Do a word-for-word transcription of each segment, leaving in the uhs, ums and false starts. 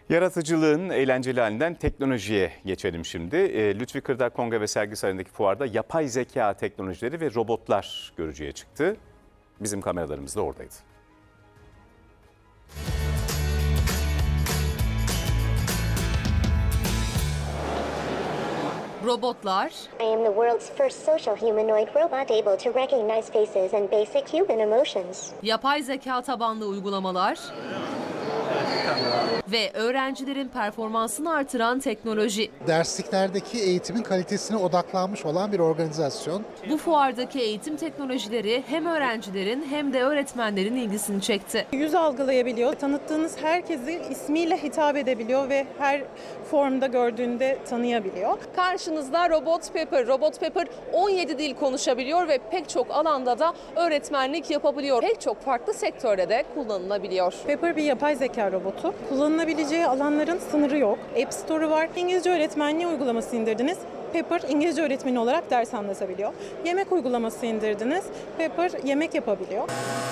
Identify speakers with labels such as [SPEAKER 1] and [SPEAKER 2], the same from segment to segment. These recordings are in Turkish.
[SPEAKER 1] Yaratıcılığın eğlenceli halinden teknolojiye geçelim şimdi. E, Lütfi Kırdar Kongre ve Sergi Sarayı'ndaki fuarda yapay zeka teknolojileri ve robotlar görücüye çıktı. Bizim kameralarımız da oradaydı.
[SPEAKER 2] Robotlar,
[SPEAKER 3] I am the world's first social humanoid robot able to recognize faces and basic human emotions.
[SPEAKER 2] yapay zeka tabanlı uygulamalar ve öğrencilerin performansını artıran teknoloji.
[SPEAKER 4] Dersliklerdeki eğitimin kalitesine odaklanmış olan bir organizasyon.
[SPEAKER 2] Bu fuardaki eğitim teknolojileri hem öğrencilerin hem de öğretmenlerin ilgisini çekti.
[SPEAKER 5] Yüz algılayabiliyor. Tanıttığınız herkesi ismiyle hitap edebiliyor ve her formda gördüğünde tanıyabiliyor.
[SPEAKER 6] Karşınızda Robot Pepper. Robot Pepper on yedi dil konuşabiliyor ve pek çok alanda da öğretmenlik yapabiliyor. Pek çok farklı sektörde de kullanılabiliyor.
[SPEAKER 5] Pepper bir yapay zeka robotu. Kullanılabileceği alanların sınırı yok. App Store'u var. İngilizce öğretmenliği uygulaması indirdiniz. Pepper İngilizce öğretmeni olarak ders anlatabiliyor. Yemek uygulaması indirdiniz. Pepper yemek yapabiliyor.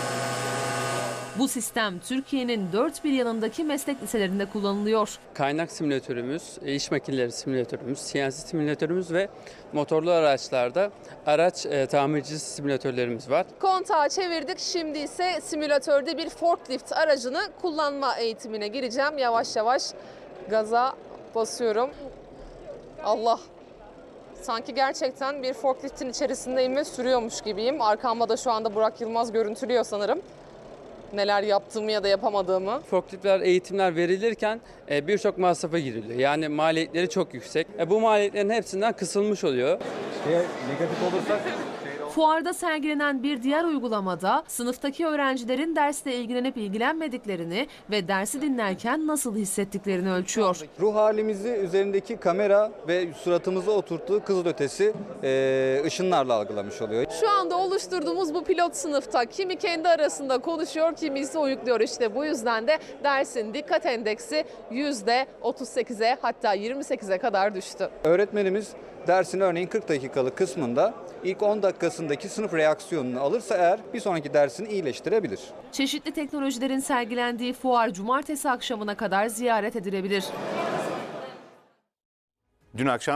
[SPEAKER 2] Bu sistem Türkiye'nin dört bir yanındaki meslek liselerinde kullanılıyor.
[SPEAKER 7] Kaynak simülatörümüz, iş makineleri simülatörümüz, C N C simülatörümüz ve motorlu araçlarda araç e, tamircisi simülatörlerimiz var.
[SPEAKER 6] Kontağı çevirdik. Şimdi ise simülatörde bir forklift aracını kullanma eğitimine gireceğim. Yavaş yavaş gaza basıyorum. Allah! Sanki gerçekten bir forkliftin içerisindeyim ve sürüyormuş gibiyim. Arkamda da şu anda Burak Yılmaz görüntülüyor sanırım. Neler yaptığımı ya da yapamadığımı.
[SPEAKER 7] Forkliftler eğitimler verilirken e, birçok masrafa giriliyor. Yani maliyetleri çok yüksek. E, bu maliyetlerin hepsinden kısılmış oluyor.
[SPEAKER 8] Negatif olursak
[SPEAKER 2] Fuarda sergilenen bir diğer uygulamada sınıftaki öğrencilerin dersle ilgilenip ilgilenmediklerini ve dersi dinlerken nasıl hissettiklerini ölçüyor.
[SPEAKER 8] ruh halimizi üzerindeki kamera ve suratımıza oturttuğu kızılötesi e, ışınlarla algılamış oluyor.
[SPEAKER 6] Şu anda oluşturduğumuz bu pilot sınıfta kimi kendi arasında konuşuyor, kimi ise uyukluyor. İşte bu yüzden de dersin dikkat endeksi yüzde otuz sekize hatta yirmi sekize kadar düştü.
[SPEAKER 8] Öğretmenimiz dersin örneğin kırk dakikalık kısmında ilk on dakikasındaki sınıf reaksiyonunu alırsa eğer bir sonraki dersini iyileştirebilir.
[SPEAKER 2] Çeşitli teknolojilerin sergilendiği fuar cumartesi akşamına kadar ziyaret edilebilir.
[SPEAKER 1] Dün akşam